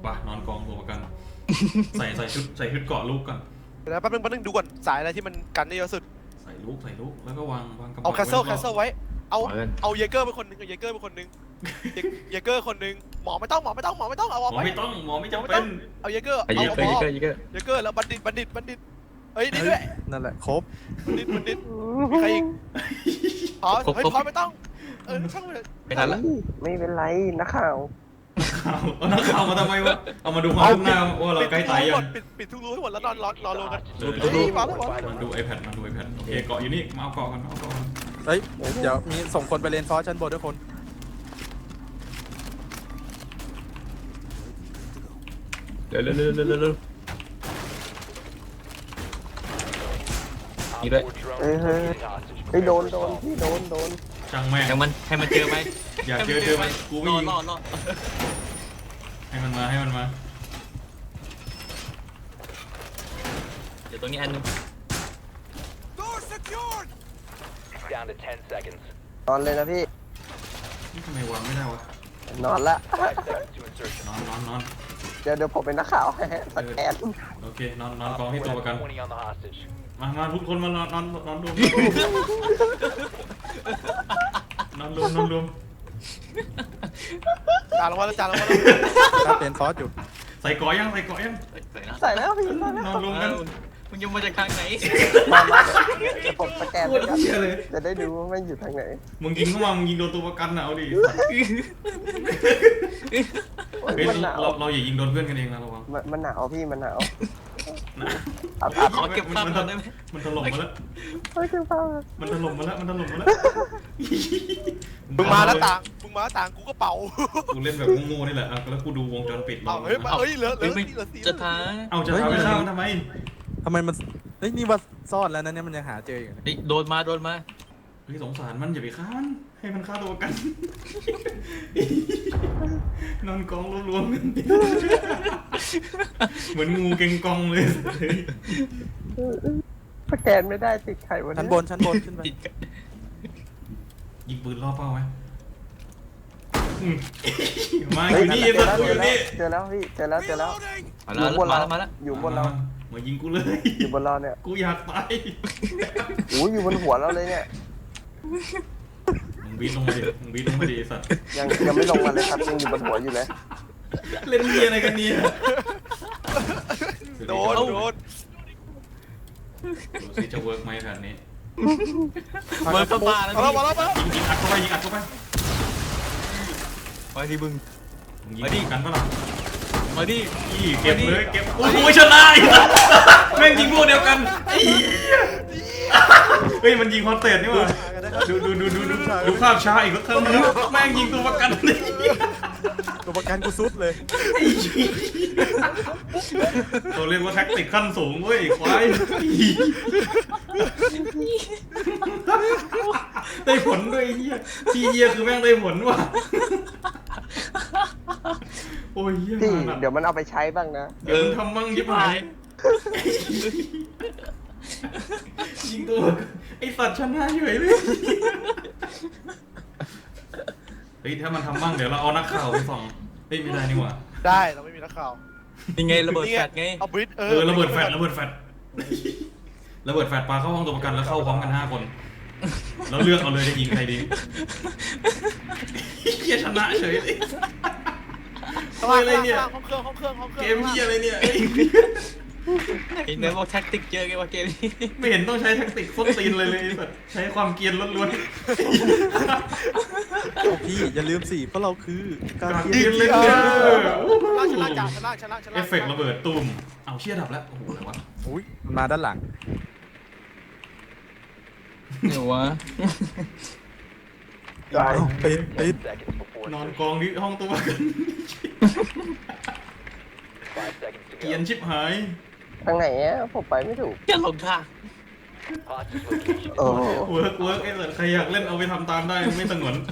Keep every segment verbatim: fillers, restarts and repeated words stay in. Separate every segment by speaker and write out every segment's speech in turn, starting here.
Speaker 1: ป่ะนอนกองตัวประกัน ใส่ใส่ชุดใส่ชุดเกาะลูกก่อน
Speaker 2: เดี๋ยวแป๊บนึงแป๊บนึงดูก่อนสายอะไรที่มันกันได้เยอะสุด
Speaker 1: ใส่ลูกใส่ลูกแล้วก็วางวางกระ
Speaker 2: เอา
Speaker 1: เป๋า
Speaker 2: แคสเซิลแคสเซิลไว้เอา
Speaker 3: เอิ้น
Speaker 2: เอาเยเกอร์เป็นคนหนึงเอาเยเกอร์เป็นคนหนึงเยเยเกอร์คนหนึงหมอไม่ต้องหมอไม่ต้องหมอไม่ต้องเอา
Speaker 1: หม
Speaker 2: เอา
Speaker 1: อ
Speaker 2: ไว้
Speaker 1: ไม่ต้องหมอไม่จำ
Speaker 2: ไม่
Speaker 1: เป็
Speaker 2: ต้อน งเอาเยเกอร์
Speaker 3: ไอ้เย
Speaker 2: เอา
Speaker 3: อะ
Speaker 2: พ
Speaker 3: เย
Speaker 2: อ
Speaker 3: อะเยอะเยอะ
Speaker 2: เยเกอร์แล้วบัณฑิตบัณฑิตบัณฑิตเฮ้ยนี่ด้วย
Speaker 4: นั่นแหละครบ
Speaker 2: บัณฑิตบัณฑิตมีใครอีกพอเฮ้ยพอไม่ต้องเออช่างมัน
Speaker 3: ไม่ทันละ
Speaker 5: ไม่เป็นไรนักข่าว
Speaker 1: ข่าวเอานักข่าวมาทำไมวะเอามาดูความคืบหน้าว่าเราใกล้ตายยัง
Speaker 2: ปิดปิดทุกรูให้หมดแล้วนอนรอรอรอกัน
Speaker 1: เออ
Speaker 2: เฮ้ยมาแล้วมาแล้ว
Speaker 1: มันดู iPad มันดู iPad โอเคเกาะอยู่นี่มาเอาเกาะกันมาเอาเกาะกัน
Speaker 4: เฮ้ยเดี๋ยวมีส่งคนไปเลนฟอสชั้นบนด้วยคน
Speaker 3: เร็วเร็วเร็วเร็วเร็วเร็วนี่ด้วย
Speaker 5: เฮ้ยเฮ้ยเฮ้ยโดนโดนพี่โดนโดน
Speaker 1: ช่างแม่ง
Speaker 3: ยังมันให้มันเจอไหม
Speaker 1: อยากเจอเจอไหมกูไม่
Speaker 3: รอ
Speaker 1: ยิง
Speaker 3: รอรอ
Speaker 1: ให้มันมาให้มันมา
Speaker 3: เดี๋ยวตรงนี้อันนึง
Speaker 6: Down to ten seconds.
Speaker 5: นอนเลยนะพี่
Speaker 1: นี่ทำไมวางไม่ได้วะ
Speaker 5: นอนละ
Speaker 6: Five seconds to insertion.
Speaker 1: นอนนอนนอน
Speaker 5: เดี๋ยวเดี๋ยวผมเป็นนักข่าวให้สแกน
Speaker 1: โอเคนอนนอนกอง
Speaker 6: Op
Speaker 1: ที่
Speaker 6: four
Speaker 1: ตัวประกัน
Speaker 6: has twenty on the hostage.
Speaker 1: มามาทุกคนมานอนนอนนอนรวมนอนรวมนอนรวม
Speaker 2: จานลงมาแล้วจานลงมาแล้ว
Speaker 4: ถ้าเป็นฟอสอยู่
Speaker 1: ใส่เกาะยังใส่เกาะยัง
Speaker 3: ใส่นะ
Speaker 5: ใส่แล้วพี่ใส่แล้ว
Speaker 1: นอนรวมกัน
Speaker 3: มึงยังมาจากทางไหน
Speaker 5: มามาเดี๋ยวผมสแกน
Speaker 1: โค
Speaker 5: ไป
Speaker 1: ตร
Speaker 5: ครับ
Speaker 1: เชี่ยเลย
Speaker 5: จะได้ดูว่ามันอยู่ทางไหน
Speaker 1: มึงยิงเข้ามามึงยิงโดนตัวประกันน่ะเอาดิ
Speaker 5: โอ้ย
Speaker 1: เฮ้ย
Speaker 5: มันหนาว
Speaker 1: เราเราอย่ายิงโดนเพื่อนกันเองนะระวัง
Speaker 5: มันมันหนาวพี่มันหนาว
Speaker 1: นะ
Speaker 5: อับอับ
Speaker 3: ขอเก็บภาพก่อนได้ไหม
Speaker 1: มันถล่มมาแล้ว
Speaker 5: เฮ้ยคือฟ้า
Speaker 1: มันถล่มมาแล้วมันถล่มมาแล้ว
Speaker 2: มึงมาแล้วต่างมึงมาแล้วต่างกูก็เป่า
Speaker 1: กูเล่นแบบโง่ๆนี่แหละอ่ะแล้วกูดูวงจรปิด
Speaker 2: เอาเฮ้ยมาเฮ้ยเหลือเหลื
Speaker 3: เฮ้ย
Speaker 2: อ
Speaker 3: ไม่
Speaker 2: เหลือสี่
Speaker 3: จะท้า
Speaker 1: เอาจะทำให้ข้ามทำไม
Speaker 4: ทำไมมันเฮ้ยนี่ว่าซ่อนแล้วนะเนี่ยมันยังหาเจออยู่นะ
Speaker 3: เฮ้ยโดนมาโดนมา
Speaker 1: เฮ้ยสงสารมันอย่าไปฆ่ามันให้มันฆ่าตัวประกัน นอนกองรวมๆกันเหมือนงูเก่งกองเลย
Speaker 5: สแกนไม่ได้ติดไข่วัน
Speaker 4: ชั้น
Speaker 5: นี้
Speaker 4: บนชั้นบนขึ้นไป
Speaker 3: ติดกัน
Speaker 1: ยิงปืนล่อเป้าไหมอืมมาอ
Speaker 5: เฮ้ย
Speaker 1: ยู่นี่
Speaker 5: เจอ
Speaker 1: สัต
Speaker 5: แล้ว
Speaker 1: ว์อยู่นี่
Speaker 5: เจอแล้วพี่เจอแล้วเจอแล้ว
Speaker 3: มาแล้ว
Speaker 5: อยู่บน
Speaker 3: มา
Speaker 5: เรา
Speaker 3: แล้วมาแล้ว
Speaker 5: อยู่บนเรา
Speaker 1: มายิงกูเลย
Speaker 5: อยู่บนเราเนี่ย
Speaker 1: กูอยากตาย
Speaker 5: โอ้ยอยู่บนหัวเราเลยเนี่ย
Speaker 1: มึงบีทลงมาดิมึงบีทลงมาดิไอ้สัตว์
Speaker 5: ยังยังไม่ลงมาเลยครับยังอยู่บนหัวอยู่เลย
Speaker 1: เล่นเฮียอะไรกันเนี่ย
Speaker 2: โดนโดน
Speaker 1: ดูสิจะเวิร์กไหมแผนนี้
Speaker 3: เบิร์ดเข้ามาแล้ว
Speaker 2: มาแล้วมาแล้วมาแล้ว
Speaker 1: ยิงยิงอัดเข้าไปยิงอัดเข้าไป
Speaker 3: มาดิมึง
Speaker 1: มึงยิงป้องกันปะล่ะ
Speaker 3: มาดิ
Speaker 1: อีเก็บเลยเก็บโอ้โหชนะอีกแล้วแม่งยิงพวกเดียวกันไอ้เหี้ยเฮ้ยมันยิงคอนเตนนี่หว่าดูดูดูดูดูดูภาพช้าอีกแล้วครั้งนึงแม่งยิงตัวประกันเลย
Speaker 4: ตัวประกันกูซุดเลย
Speaker 1: เราเรียกว่าแท็กติกขั้นสูงเว้ยควายได้ผลด้วยไอ้เหี้ยที่เหี้ยคือแม่งได้ผลว่ะโอ้ยเหี้ย
Speaker 5: พี่
Speaker 1: หนัก
Speaker 5: เดี๋ยวมันเอาไปใช้บ้างนะ
Speaker 1: เดี๋ยวมึงทำมั่งยิบหายยิงตัวไอสัตว์ชนะเฉยเลยเฮ้ยถ้ามันทำมั่งเดี๋ยวเราเอานักข่าวไปส่องเฮ้ยไม่ได้นี่หว่า
Speaker 2: ได้เราไม่มีนักข่าว
Speaker 3: ยังไงระเบิดแฟลชไง
Speaker 2: เอาบริดเอ
Speaker 1: เอ
Speaker 2: อ
Speaker 1: อระเบิดแฟดระเบิดแฟดระเบิดแฟดปาเข้าห้องตัวประกันแล้วเข้าพร้อมกันห้าคนแล้วเลือกเอาเลยจะยิงใครดีเฮียชนะเฉยเลย
Speaker 2: ข้างล่าง
Speaker 1: อะไรเนี่ย
Speaker 2: ห้องเครื่องห้องเครื่องห้องเค
Speaker 1: เก
Speaker 2: รื่อง
Speaker 1: มเฮียอะไรเนี่ย
Speaker 3: ไอ้เนื้อบอกแท็กติกเยอะไงว่าเกมนี้
Speaker 1: ไม่เห็นต้องใช้แท็กติกส้นตีนเลยเลยแบบใช้ความเกรียนล้วน
Speaker 4: โอ้พี่อย่าลืมสิเพราะเราคือ
Speaker 1: ๆ
Speaker 4: การ
Speaker 1: การ
Speaker 4: เกี
Speaker 1: เก
Speaker 4: ย
Speaker 1: รีย
Speaker 4: ร์
Speaker 1: นเลย
Speaker 2: ชนะชนะจ่าชนะชนะชนะ
Speaker 1: เอฟเฟกต์ระเบิดตูมเอาเชี่ยดับแล้วโอ้โหอะไรวะ
Speaker 4: อุ้ยมันมาด้านหลัง
Speaker 3: เดี๋ยววะ
Speaker 5: ได้
Speaker 4: เอ้ยเอ้ย
Speaker 6: Ten seconds before
Speaker 1: นอน
Speaker 6: insertion.
Speaker 1: กองที่ห้องตัวประกัน
Speaker 6: Five seconds to
Speaker 1: เกรียน
Speaker 6: go.
Speaker 1: ชิบหาย
Speaker 5: ทางไหนอะผมไปไม่ถูก
Speaker 3: จะหลงทาง
Speaker 6: Hostage location.
Speaker 5: โอ้
Speaker 1: เวิร์กเวิร์กไอ้สัตว์ใครอยากเล่นเอาไปทำตามได้ไม่สงวน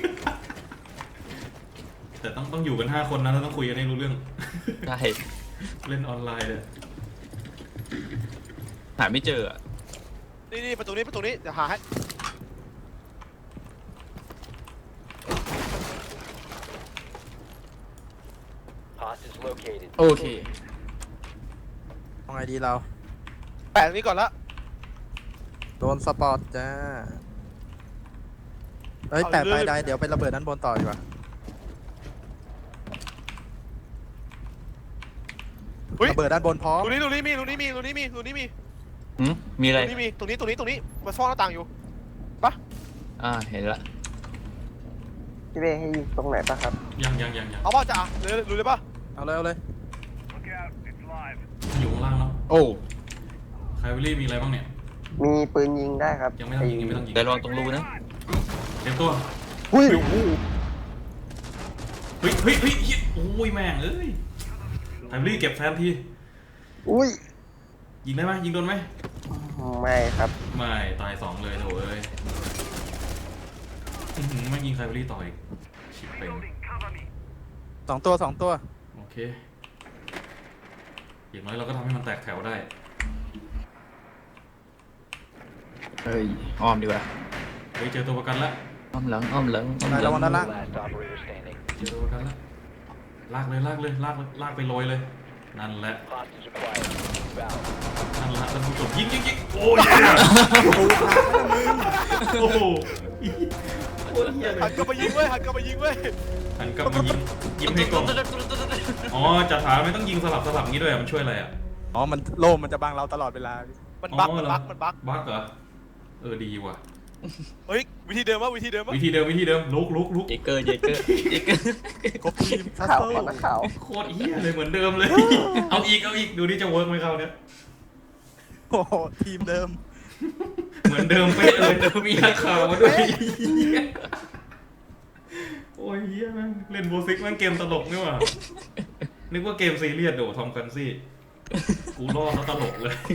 Speaker 1: แต่ต้องต้องอยู่กันห้าคนนะแล้วต้องคุยกันให้รู้เรื่อง
Speaker 3: ได้
Speaker 1: เล่นออนไลน์เลย
Speaker 3: หาไม่เจออะ
Speaker 2: นี่นี่ประตูนี้ประตูนี้เดี๋ยวหาให้
Speaker 6: Hostage Hostage located.
Speaker 3: โอเค
Speaker 4: เอาไงดีเรา
Speaker 2: แปะตรงนี้ก่อนละ
Speaker 4: โดนสปอร์ตจ้า เฮ้ย
Speaker 2: เอา
Speaker 4: แปะ
Speaker 2: เลย
Speaker 4: ไปได้เดี๋ยวไประเบิดด้านบนต่อดีกว่า
Speaker 2: เฮ้ย
Speaker 4: ระเบิดด้านบนพร้อม
Speaker 2: ตรงนี้ตรงนี้มีตรงนี้มีตรงนี้มีตรงนี้มี
Speaker 3: หืมมีอะไร
Speaker 2: ตรงนี้มีตรงนี้ตรงนี้ตรงนี้มันซ่อนหน้าต่างอยู่
Speaker 3: อ่า เห็นละ
Speaker 5: พี่เบ้ให้ยิงตรงไหนปะครับ
Speaker 1: ยังยังยังยัง
Speaker 2: เอาป่ะจ่าเลยรู้เลยป่ะ
Speaker 4: เอาเลยเอาเลย
Speaker 1: อยู่ข้างล่างแล้ว
Speaker 3: โอ้
Speaker 1: ไคลเวลี่มีอะไรบ้างเนี่ย
Speaker 5: มีปืนยิงได้ครับ
Speaker 1: ยังไม่ต้องยิงยังไม่ต้องยิง
Speaker 3: แต่ระวังตรงรูนะ
Speaker 1: เตรียมตัว
Speaker 5: หุ้ย
Speaker 1: เฮ้ยเฮ้ยเฮ้ยเฮ้ยโอ้ยแม่งเอ้ยไคลเวลี่เก็บแฟนที
Speaker 5: อุ้ย
Speaker 1: ยิงได้ไหมยิงโดนไหม
Speaker 5: ไม่ครับ
Speaker 1: ไม่ตายสองเลยโถเอ้ยอื้อหือไม่ยิงไคลเวลี่ต่ออีกชิบเป่ง
Speaker 4: สองตัวสองตัว
Speaker 1: โอเคอย่างน้อยเราก็ทำให้มันแตกแถวได้
Speaker 3: เฮ้ย อ้อมดีกว่า
Speaker 1: เฮ้ยเจอตัวประกันละ
Speaker 3: อ้อมหลัง อ้อมหลัง อ้อมห
Speaker 4: ระ
Speaker 3: ลั
Speaker 4: วังด้านล่าง
Speaker 6: Last operator standing.
Speaker 1: เจอตัวประกันละลากเลยลากเลยลากลากไปโรยเลย นั่นแหละ
Speaker 6: Hostage acquired. Inbound.
Speaker 1: นั่นแหละท่านผู้ชมยิงยิงยิงโอ้ยโอ้โหโคตรเหี้ยเล
Speaker 2: หัน
Speaker 1: ย
Speaker 2: กลับมายิงเว้ยหันกลับมายิงเว้ย
Speaker 1: หันกลับมายิงยิงให้ก่อนอ๋อจ่าถามไม่ต้องยิงสลับสลับงี้ด้วยอะมันช่วยอะไรอ่ะ
Speaker 4: อ๋อ มันโล่มมันจะบังเราตลอดเวลา
Speaker 2: มันบั๊ก
Speaker 1: อ๋อ
Speaker 2: มัน
Speaker 1: เหรอ
Speaker 2: บั๊กมันบั๊ก
Speaker 1: บั๊กเหรอเออดีว่ะ
Speaker 2: เฮ้ยวิธีเดิมวะวิธีเดิมวะ
Speaker 1: วิธีเดิมวิธีเดิมลุกลุกลุก
Speaker 3: เจเกอร์ เจเกอร์ เจเกอร์
Speaker 4: ครบทีมทัส
Speaker 5: ข่าว
Speaker 4: เซิ
Speaker 5: ก่อน
Speaker 4: ล
Speaker 5: นะข่าว
Speaker 1: โคตรเหี้ยเลยเหมือนเดิมเลย เอาอีกเอาอีกดูดิจะเวิร์กไหมเขาเนี่ย
Speaker 4: โอ้โหทีมเดิม
Speaker 1: เหมือนเดิมเป๊ะเลยมีนักข่าวมาด้วยโอ้ยเฮียแม่งเล่นโบซิกแม่งเกมตลกนี่หว่านึกว่าเกมซีเรียสโดทอมกันซี่กูรอดแล้วตลกเลย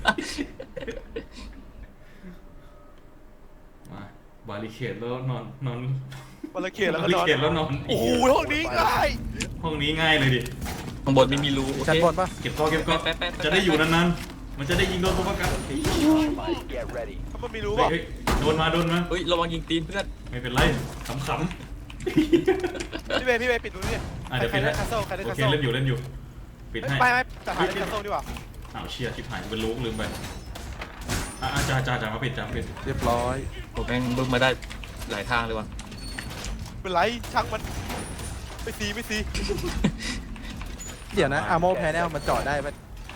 Speaker 1: มาบาริเคดแล้วนอนนอน
Speaker 2: บาลเขียนแล้ว
Speaker 1: บา
Speaker 2: ก็
Speaker 1: ริ
Speaker 2: นอน
Speaker 1: เคดแล้วนอน
Speaker 2: โอ้โหห้องนี้ง่าย
Speaker 1: ห้องนี้ง่ายเลยดิ
Speaker 3: ข้างบนไม่มีรูโอ
Speaker 4: ชั้น
Speaker 3: เค
Speaker 4: บนปะ
Speaker 1: เก็บก้อนเก็บก้อน
Speaker 3: แป๊ะแป๊ะแป๊ะ
Speaker 1: จะได้อยู่นานๆมันจะได้ยิงโดนตัวประกัน
Speaker 6: Get ready.
Speaker 2: ถ้ามันไม่รู้
Speaker 1: เฮ้ย
Speaker 2: ป่ะ
Speaker 1: เฮ้ยโดนมาโดนมา
Speaker 3: เฮ้ย ระวังยิงตีนเพื่อน
Speaker 1: ไม่เป็นไรขำ
Speaker 2: พี่เบย์พี่เบย์ปิดดูนี่
Speaker 1: ๆอ่ะเดี๋ยว
Speaker 2: ใคร
Speaker 1: ปิด
Speaker 2: ได้
Speaker 1: ให้
Speaker 2: คัสเซิลใครได้
Speaker 1: โอ
Speaker 2: คัส
Speaker 1: เค
Speaker 2: เซิล
Speaker 1: เล่นอยู่เล่นอยู่ปิดให้
Speaker 2: ไม่ไม่แต่หาได้คัสเซิลดีกว่า
Speaker 1: อ้าวเชียชิบหายเป็นลูกลืมไปอ่ะอ่ะจ้าจ้าจ้ามาปิดจ้ามาปิด
Speaker 4: เรียบร้อย
Speaker 3: ผมแม่งบึ้มมาได้หลายทางเลยว่ะ
Speaker 2: เป็นไรช่างมันไม่ซีไม่ซี
Speaker 4: เดี๋ยวนะอาโมแพนเนลมันจอดได้ปะ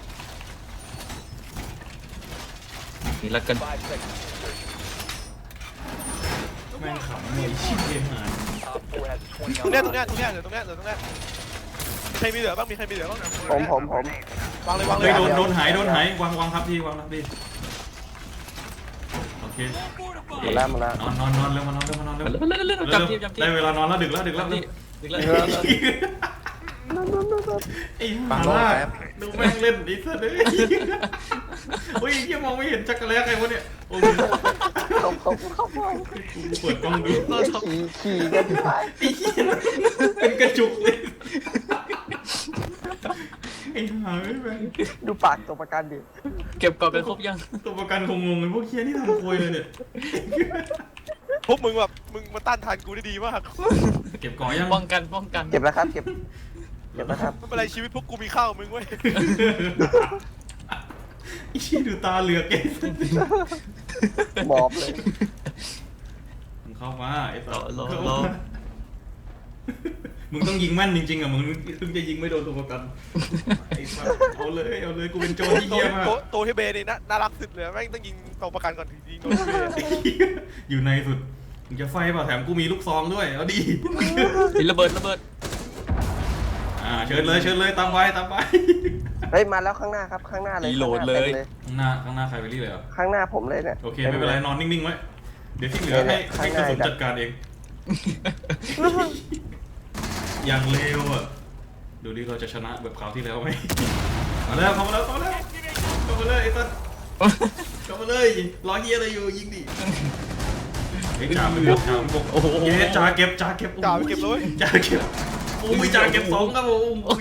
Speaker 3: นี่ละกัน
Speaker 6: Five seconds. to insertion.
Speaker 1: แม่งขำเลยชิบเกมหาย
Speaker 6: Op four has
Speaker 2: ตรงเนี้ย
Speaker 6: twenty
Speaker 2: ตรงเนี้ยตรงเนี้ยเหลือตรงเนี้ยเหลือตรงเนี้ยมีใครมีเหลือบ้างมีใครมีเหลือบ้าง
Speaker 5: ผมผมผม
Speaker 2: วางเลยวางเล
Speaker 1: เฮ้
Speaker 2: ย
Speaker 1: ยโดนโดนหายโดนหายวางวางทับทีวางทับทีโอเค
Speaker 5: หมดแล้วหมดแล้ว
Speaker 1: นอนนอนนอนเร็วมานอนเร็วมานอนเร็ว
Speaker 3: เล่นเล่นเล่น
Speaker 1: เร็ว
Speaker 3: จำทีมจำทีม
Speaker 1: ได้เวลานอนแล้วดึกแล้วดึกแล้ว
Speaker 3: จำทีมดึกแล้ว
Speaker 1: ไอ้ห่าล่าดูแม่งเล่นไอ้สัสเลยโอ้ยยังมองไม่เห็นจักรแล้ใครวะเนี่ยโอ้ย
Speaker 5: เขาเขาเขาเขา
Speaker 1: เปิดกล้องดู
Speaker 5: ขี่ขี่กันที่ไป
Speaker 1: เป็นกระจุกเลยไอ้ห่าไม่แม่ง
Speaker 5: ดูปากตัวประกันดิ
Speaker 3: เก็บกรอบกันครบยัง
Speaker 1: ตัวประกันคงงงเลยพวกเคียนี่ทำโคยเลยเนี่ย
Speaker 2: พวกมึงแบบมึงมาต้านทานกูได้ดีมาก
Speaker 1: เก็บก่อยัง
Speaker 3: ป้องกัน ป้องกัน
Speaker 5: เก็บแล้วครับเก็บเก็บแล้วครับ
Speaker 2: ไม่เป็นไรชีวิตพวกกูมีข้าวมึงเว้ย
Speaker 1: ไอ้ชี้ดูตาเหลือกไอ้
Speaker 5: หมอบเลย
Speaker 1: มึงเข้ามาไอ้ต่อ
Speaker 3: รอรอ
Speaker 1: เข้าร
Speaker 3: อ
Speaker 1: มามึงต้องยิงแม่นจริงๆอ่ะมึงถึงจะยิงไม่โดนตัวประกันไอ้สัสเอาเลยเอาเลยกูเป็นโจรที่
Speaker 2: โต
Speaker 1: เหี้ยมาก
Speaker 2: โตโตที่เบย์นี่น่าน่ารักสุดเลยแม่งต้องยิงตัวประกันก่อนถึงยิงโดนที่เบย์
Speaker 1: อยู่ในสุดมึงจะไฟเปล่าแถมกูมีลูกซองด้วยเอาดี
Speaker 3: มีระเบิดระเบิด
Speaker 1: อ่าเชิญเลยเชิญเลยตามไปตามไป
Speaker 5: เฮ้ยมาแล้วข้างหน้าครับข้างหน้าเลย
Speaker 3: รีโหลด
Speaker 5: ข้างห
Speaker 3: เล
Speaker 5: น้าย ต็ม
Speaker 1: ข้างหน้าข้างหน้าใครไปรีเลยเหรอ
Speaker 5: ข้างหน้าผมเลยเนี่ย
Speaker 1: โอเคไม่เป็นไรนอนนิ่งๆไว้เดี๋ยวที่เหลือให้ให้กระสุนจัดการเองอย่างเร็วอ่ะดูดิเราจะชนะแบบคราวที่แล้วไหมมาแล้วเข้ามาแล้วเข้ามาแล้วเข้ามาเลยไอ้ตันเข้ามาเลยรอเฮียอะไรอยู่ยิงดิไอ้จ่าไปบุกจ่าไปบุก
Speaker 3: โอ้โห
Speaker 1: เย้จ่าเก็บจ่าเก็บ
Speaker 2: จ่าไปเก็บเลย
Speaker 1: จ่าเก็บโอ้ยจ่าเก็บสองครับผม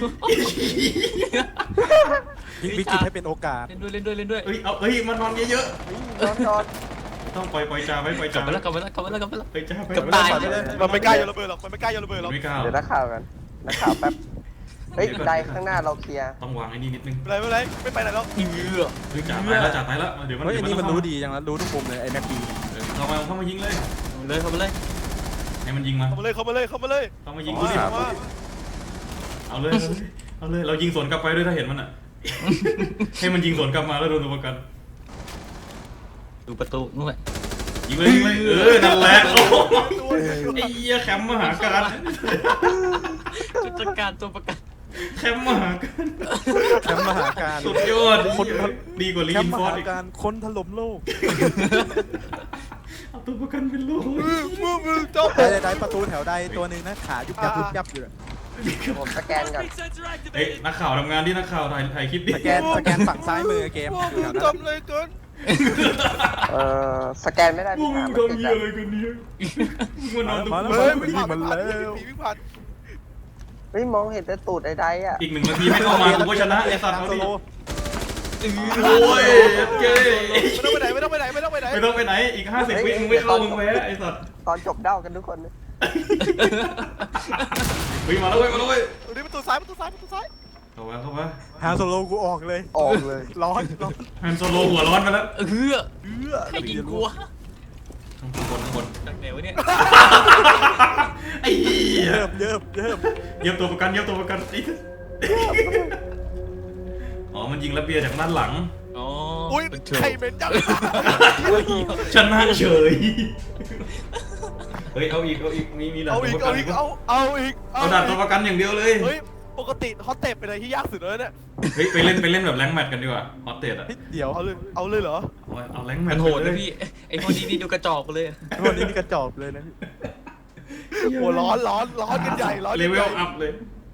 Speaker 4: วิกฤตให้เป็นโอกาส
Speaker 3: เล่นด้วย เล่นด้วย เล่นด้วย
Speaker 1: เอ้ยเอาเอ้ยมานอนเยอะ
Speaker 5: นอนนอน
Speaker 1: ๆต้องปล่อยปล่อยจ่าไว้ปล่อย
Speaker 3: กลั
Speaker 1: จ่า
Speaker 3: บมาแล้วกลับมาแล้วกลับมาแล้วกลับมาแล้ว
Speaker 1: เฮ้ยจ่าไป
Speaker 3: เกือบตาย
Speaker 4: ไปเลย
Speaker 2: มันไม่กล้าโยนระเบิดหรอกมันไม่กล้าโยนระเบิดหรอก
Speaker 1: ไม่กล้า
Speaker 5: เดี๋ยวนักข่าวกันนักข่าวแป๊บเฮ้ยไดข้างหน้าเราเคลียร์
Speaker 1: ต้องวางไอ้นี่นิดนึง
Speaker 2: ไม่เป็นไรไม่เป็นไรไม่ไปไหนแล้ว
Speaker 3: เออ
Speaker 1: เฮ้ยจ่าตายแล้วจ่าตายแล้วเดี๋ยวมัน
Speaker 4: เฮ้ย
Speaker 1: เดี๋
Speaker 4: อั
Speaker 1: ย
Speaker 4: น
Speaker 1: ว
Speaker 4: นี้มัน
Speaker 1: เข้า
Speaker 4: รู้ดีจังแล้วรู้ทุกมุมเลยไอ้แม็กดี
Speaker 1: เออเข้ามาเข้ามายิงเลย
Speaker 3: เอาเลยเข้ามาเลย
Speaker 1: ให้มันยิงมา
Speaker 2: เข้ามาเลยเข้ามาเลยเข้ามาเลย
Speaker 1: เข้ามายิง
Speaker 2: เอา
Speaker 1: กูดิ
Speaker 2: มา
Speaker 1: เอาเลยเอาเลยเรายิงสวนกลับไปด้วยถ้าเห็นมันอ่ะ ให้มันยิงสวนกลับมาแล้วโดนตัวประกัน
Speaker 3: ดูประตูนู่นแหละ
Speaker 1: ยิงเลยยิงเลยเออนั่นแหละโอ้โห
Speaker 2: ตัวเดียว
Speaker 1: ไอ้เหี้ยแคมป์มหาการ
Speaker 3: จุดจัดการตัวประกัน
Speaker 1: แคมป์มหาการ
Speaker 4: แคมป์มหาการ
Speaker 1: สุดยอดคนดีกว่าลี
Speaker 4: แคม
Speaker 1: น
Speaker 4: ป์ม
Speaker 1: ฟอร์
Speaker 4: หา
Speaker 1: ดอีก
Speaker 4: การคนถล่มโลก
Speaker 1: เอาตัวประกันเป็นโลก
Speaker 2: มือมือมือจบ
Speaker 4: ได้ได้ประตูแถวใดตัวหนึ่งนะขายุบยับยุบยับอยู่
Speaker 5: ผมสแกนก่อน
Speaker 1: เฮ้ยนักข่าวทำงานที่นักข่าวถ่ายถ่ายคลิปดิ
Speaker 4: สแกนสแกนฝั่งซ้ายมือเกม
Speaker 2: พวก
Speaker 4: อยู่
Speaker 2: มึ
Speaker 4: แถ
Speaker 2: ง
Speaker 4: วนั้น
Speaker 2: ทำเลยเกิน
Speaker 5: เอ่อสแกนไม่ได้
Speaker 1: พว
Speaker 5: พี่
Speaker 1: กมึ
Speaker 5: ถาง ม
Speaker 1: ทำ
Speaker 5: ไม่
Speaker 1: เหี้ย
Speaker 5: ได้
Speaker 1: อะไรกันเนี่ยมึงมานอนตรง
Speaker 4: มา
Speaker 1: กู
Speaker 4: แล้ว
Speaker 2: เฮ้ย
Speaker 4: มา
Speaker 2: วิ่ง
Speaker 4: มัน
Speaker 2: ผ่าน
Speaker 4: แล้ว
Speaker 2: ผีวิ่งผ่าน
Speaker 5: เฮ้ยมองเห็นแต่ตูดไอ้ไดอ่ะ
Speaker 1: อีกหนึ่งนาทีไม่เข้ามากูก็ชนะไอ้สัตว์
Speaker 4: ทาง
Speaker 1: เอา
Speaker 4: โซ
Speaker 1: ดิ
Speaker 4: โล
Speaker 1: โอ้ยเจ๊
Speaker 2: ไม่ต้องไปไหนไม่ต้องไปไหนไม่ต้องไปไหน
Speaker 1: ไม่ต้องไปไหนอีกห้าสิบวิมึงไม่เข้ามึงแพ้ไอ้สัตว์
Speaker 5: ตอนจบเด้ากันทุกคนนะ
Speaker 1: วิ่งมาแล้วเว้ยมาแล้วเว้ย
Speaker 2: ตรงนี้ประตูซ้ายประตูซ้ายประตูซ้าย
Speaker 1: เข้ามาเข้ามา
Speaker 4: ฮางโซโลกูออกเลย
Speaker 5: ออกเลย
Speaker 4: ร้อนร้อน
Speaker 1: ฮันโซโลหัวร้อนไปแล้ว
Speaker 3: เออ
Speaker 4: เอื้อ
Speaker 3: ใครยิงกูวะ
Speaker 1: ข้างบนข้างบน
Speaker 3: จากไหนวะเนี่ย
Speaker 1: ไอ้เหี้ย
Speaker 4: เยิบเยิบเยิบ
Speaker 1: เยียบตัวประกันเยียบตัวประกันไอ้อ๋อมันยิงระเบียร์จากด้านหลัง
Speaker 3: อ๋อ
Speaker 2: อุ้ย
Speaker 3: เป็นโช
Speaker 2: ใคร
Speaker 3: ว์
Speaker 2: เป็นจัง
Speaker 1: ชนะเฉยเฮ้ยเอาอีกเอาอีกมีมีด่าน
Speaker 2: เอา
Speaker 1: ตัว
Speaker 2: อีก
Speaker 1: ประกั
Speaker 2: เอา
Speaker 1: น
Speaker 2: อี
Speaker 1: อี
Speaker 2: ก
Speaker 1: ก
Speaker 2: เอาเอาอีก
Speaker 1: เอาด่านตัวประกันอย่างเดียวเลย
Speaker 2: เฮ้ยปกติฮอตเตปเป็นอะไรที่ยากสุดเลยเนี่ย
Speaker 1: เฮ้ยไปเล่นไปเล่นแบบแรงค์แมตช์กันดีกว่าฮอตเตดอะ
Speaker 4: เดี๋ยว
Speaker 2: เอาเลยเอาเลยเหรอ
Speaker 1: เอาเอาแรงค์แม
Speaker 3: มั
Speaker 1: ต
Speaker 3: น
Speaker 1: ช์
Speaker 3: โหด
Speaker 1: ไป
Speaker 3: นะ
Speaker 1: เลย
Speaker 3: พี่ไอ้พวกนี้นี่ดูกระจอกไปเลย
Speaker 4: วันนี้นี่กระจอกเลยนะพี่
Speaker 2: โอ้ร้อนร้อนร้อนกันใหญ่ร้อน
Speaker 1: เล
Speaker 2: กัน
Speaker 1: เว
Speaker 2: ให
Speaker 1: ล
Speaker 2: ญ่
Speaker 1: อัพเลย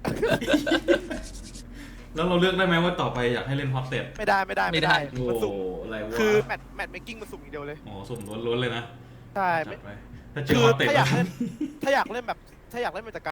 Speaker 1: แล้วเราเลือกได้ไหมว่าต่อไปอยากให้เล่นฮอตเตด
Speaker 2: ไม่ได้ไม่ได้ไม่ได้
Speaker 1: โอ้
Speaker 2: มันสุ่ม
Speaker 1: อะไรวะ
Speaker 2: คือแมตช์แมตช์เมคกิ้งมันสุ่มอย่างเดียวเลย
Speaker 1: โอ้สุ่มล้วนๆเลยนะ
Speaker 2: ใช่
Speaker 1: จัดไปถ้าเจ
Speaker 2: คือ อ
Speaker 1: ฮอตเตด
Speaker 2: ถ้าอยากเล่นถ้าอยากเล่นแบบถ้าอยากเล่นแบบ